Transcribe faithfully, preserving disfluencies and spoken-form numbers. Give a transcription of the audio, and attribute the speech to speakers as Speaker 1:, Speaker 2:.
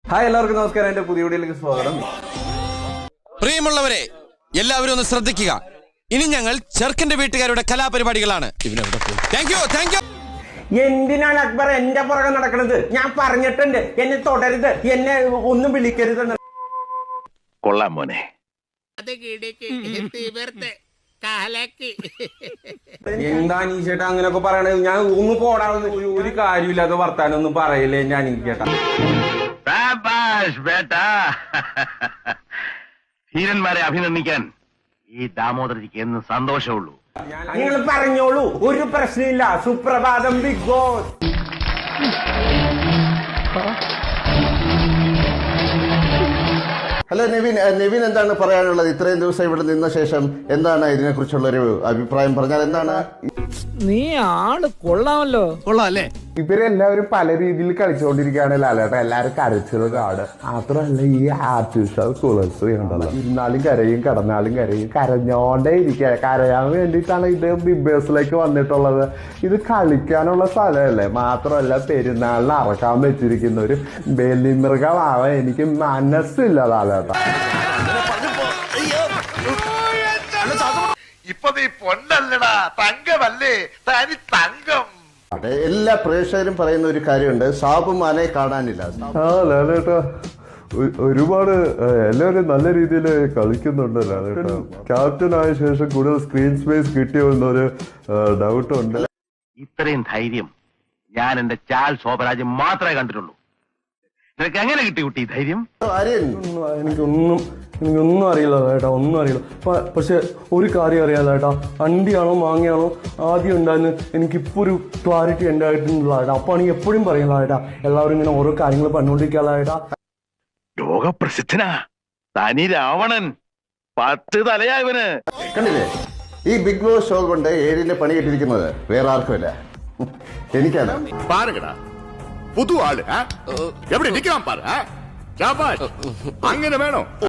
Speaker 1: Hi എല്ലാവർക്കും നമസ്കാരം. എന്റെ പുതിയ വീഡിയോയിലേക്ക് സ്വാഗതം.
Speaker 2: പ്രിയമുള്ളവരെ, എല്ലാവരും ഒന്ന് ശ്രദ്ധിക്കുക. ഇനി ഞങ്ങൾ ചെറുക്കന്റെ വീട്ടുകാരുടെ കലാപരിപാടികളാണ്. Thank you thank you.
Speaker 3: എന്തിനാണ് അക്ബർ എന്റെ പുറകെ നടക്കുന്നത്? ഞാൻ പറഞ്ഞിട്ടുണ്ട്, എന്നെ തൊടരുത്, എന്നെ ഒന്നും വിളിക്കരുത്.
Speaker 4: കൊള്ളാം മോനെ.
Speaker 1: എന്താ അനീഷേട്ടാ അങ്ങനെയൊക്കെ പറയണത്? ഞാൻ ഒന്ന് പോടാവുന്ന ഒരു കാര്യമില്ലാത്ത വർത്താനം ഒന്നും പറയില്ലേ എന്റെ അനീഷേട്ടാ.
Speaker 4: ധീരന്മാരെ അഭിനന്ദിക്കാൻ ഈ ദാമോദരജിക്ക് എന്ന് സന്തോഷമുള്ളൂ.
Speaker 3: നിങ്ങൾ പറഞ്ഞോളൂ, ഒരു പ്രശ്നമില്ല. സുപ്രഭാതം Bigg Boss.
Speaker 5: Hello Nevin, Nevin എന്താണ് പറയാനുള്ളത്? ഇത്രയും ദിവസം ഇവിടെ നിന്ന ശേഷം എന്താണ് ഇതിനെ കുറിച്ചുള്ള ഒരു അഭിപ്രായം പറഞ്ഞാൽ എന്താണ്?
Speaker 6: നീ ആള് കൊള്ളാമല്ലോ.
Speaker 2: കൊള്ളാം അല്ലേ?
Speaker 7: ഇവരെല്ലാവരും പല രീതിയിൽ കളിച്ചുകൊണ്ടിരിക്കുകയാണ് ലാലേട്ട. എല്ലാരും കരച്ചത് കാട് മാത്രമല്ല, ഈ ആർട്ടിഫിഷ്യൽ കുളസ് ഉണ്ടല്ലോ, ഇരുന്നാലും കരയും കിടന്നാലും കരയും, കരഞ്ഞോണ്ടേ ഇരിക്കുക. കരയാൻ വേണ്ടിയിട്ടാണ് ഇത് ബിഗ് ബോസിലേക്ക് വന്നിട്ടുള്ളത്. ഇത് കളിക്കാനുള്ള സ്ഥലമല്ലേ. മാത്രമല്ല പെരുന്നാളിന് അറക്കാൻ വെച്ചിരിക്കുന്ന ഒരു ബലിമൃഗമാവാൻ എനിക്ക് മനസ്സില്ല ലാലേട്ട.
Speaker 4: ഇപ്പൊ നീ പൊന്നല്ലടാ, തങ്കമല്ലേ, തനി തങ്കം.
Speaker 5: എല്ലാ പ്രേക്ഷകരും പറയുന്ന ഒരു കാര്യമുണ്ട്, സാബുമാനെ കാണാനില്ല.
Speaker 7: ആ ലാലേട്ട ഒരുപാട് എല്ലാവരും നല്ല രീതിയിൽ കളിക്കുന്നുണ്ട് ലാലേട്ട. ക്യാപ്റ്റൻ ആയ ശേഷം കൂടുതൽ സ്ക്രീൻ സ്പേസ് കിട്ടിയോ എന്നൊരു ഡൗട്ട് ഉണ്ട്.
Speaker 4: ഇത്രയും ധൈര്യം ഞാൻ എന്റെ ചാൽ ശോഭരാജ് മാത്രമേ കണ്ടിട്ടുള്ളൂ. നിനക്ക് എങ്ങനെ കിട്ടി കുട്ടി ധൈര്യം?
Speaker 5: ആര്യൻ,
Speaker 7: എനിക്കൊന്നും എനിക്കൊന്നും അറിയില്ല ചേട്ടാ, ഒന്നും അറിയില്ല. പക്ഷെ ഒരു കാര്യം അറിയാലോ ചേട്ടാ, അണ്ടിയാണോ മാങ്ങയാണോ ആദ്യം ഉണ്ടായിരുന്നു എനിക്കിപ്പോൾ ഒരു ക്ലാരിറ്റി എൻ്റെ ആയിട്ടുള്ള ചേട്ടാ. അപ്പോൾ ആണെങ്കിൽ എപ്പോഴും പറയല ചേട്ടാ, എല്ലാവരും ഇങ്ങനെ ഓരോ കാര്യങ്ങൾ പറഞ്ഞുകൊണ്ടിരിക്കാനുള്ള ചേട്ടാ.
Speaker 4: ലോകപ്രസിദ്ധനാ തനി രാവണൻ, പത്ത് തലയാ ഇവന്.
Speaker 5: കണ്ടില്ലേ, ഈ ബിഗ് ബോസ് ഷോ കൊണ്ട് ഏഴിന്റെ പണി കിട്ടിയിരിക്കുന്നത് വേറെ ആർക്കുമില്ല, എനിക്കാണ്.
Speaker 8: பாருங்கடா புது ஆளு எப்படி நிக்கலாம் பாரு. അങ്ങനെ വേണോ?